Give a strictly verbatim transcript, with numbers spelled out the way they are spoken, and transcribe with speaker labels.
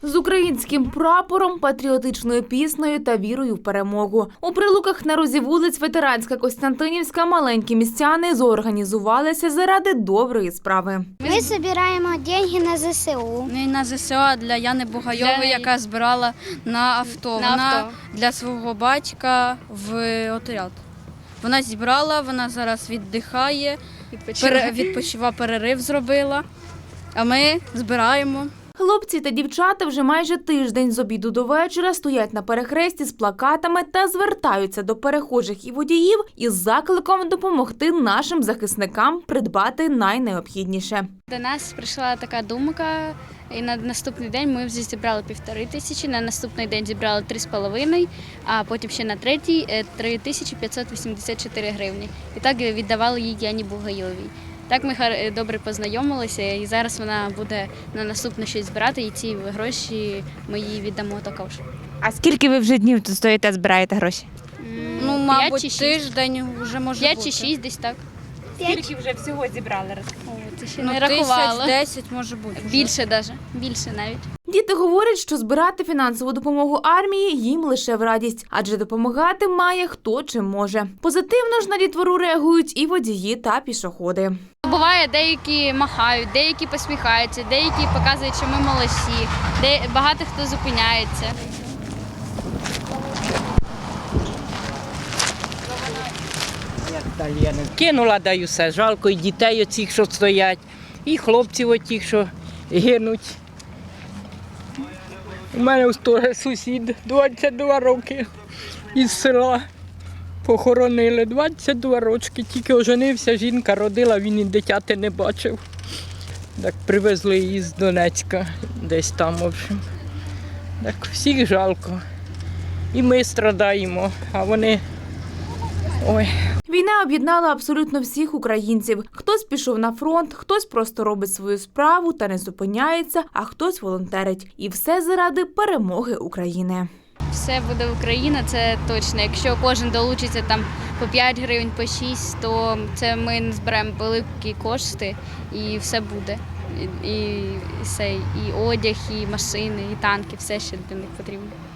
Speaker 1: З українським прапором, патріотичною піснею та вірою в перемогу. У Прилуках на розі вулиць Ветеранська, Костянтинівська маленькі містяни зорганізувалися заради доброї справи.
Speaker 2: Ми збираємо гроші на зе се у.
Speaker 3: Не на зе се у, а для Яни Бугайової,
Speaker 4: Для...
Speaker 3: яка збирала на авто.
Speaker 4: На
Speaker 3: вона
Speaker 4: авто.
Speaker 3: Для свого батька в отряд. Вона зібрала, вона зараз віддихає,
Speaker 4: Відпочиває.
Speaker 3: відпочива, перерив зробила, а ми збираємо.
Speaker 1: Хлопці та дівчата вже майже тиждень з обіду до вечора стоять на перехресті з плакатами та звертаються до перехожих і водіїв із закликом допомогти нашим захисникам придбати найнеобхідніше.
Speaker 4: До нас прийшла така думка, і на наступний день ми вже зібрали півтори тисячі, на наступний день зібрали три з половиною, а потім ще на третій – три тисячі п'ятсот вісімдесят чотири гривні. І так віддавали їй Яні Бугайовій. Так ми добре познайомилися, і зараз вона буде на наступне щось збирати, і ці гроші ми їй віддамо також.
Speaker 5: А скільки ви вже днів тут стоїте, збираєте гроші?
Speaker 3: Ну,
Speaker 4: П'ять
Speaker 3: мабуть,
Speaker 4: чи шість.
Speaker 3: тиждень вже може
Speaker 4: П'ять
Speaker 3: бути.
Speaker 4: чи шість десь так.
Speaker 5: Скільки вже всього зібрали?
Speaker 4: О, це ще
Speaker 3: Ну,
Speaker 4: не рахувала.
Speaker 3: тисяч десять може бути. вже.
Speaker 4: Більше навіть, більше навіть.
Speaker 1: Діти говорять, що збирати фінансову допомогу армії їм лише в радість, адже допомагати має хто чим може. Позитивно ж на дітвору реагують і водії та пішоходи.
Speaker 4: Буває, деякі махають, деякі посміхаються, деякі показують, що ми молодці, де багато хто зупиняється.
Speaker 6: Кинула, даю все. Жалко і дітей оцих, що стоять, і хлопців отих, що гинуть. У мене ось теж сусід, двадцять два роки із села. Похоронили двадцять два рочки, тільки оженився, жінка родила, він і дитяти не бачив. Так привезли її з Донецька, десь там, в общем. Так всіх жалко. І ми страдаємо, а вони, ой.
Speaker 1: Війна об'єднала абсолютно всіх українців. Хтось пішов на фронт, хтось просто робить свою справу та не зупиняється, а хтось волонтерить. І все заради перемоги України.
Speaker 4: Все буде Україна, це точно. Якщо кожен долучиться там по п'ять гривень, по шість, то це ми зберемо великі кошти і все буде. І, і, і, все, і одяг, і машини, і танки, все, що для них потрібно.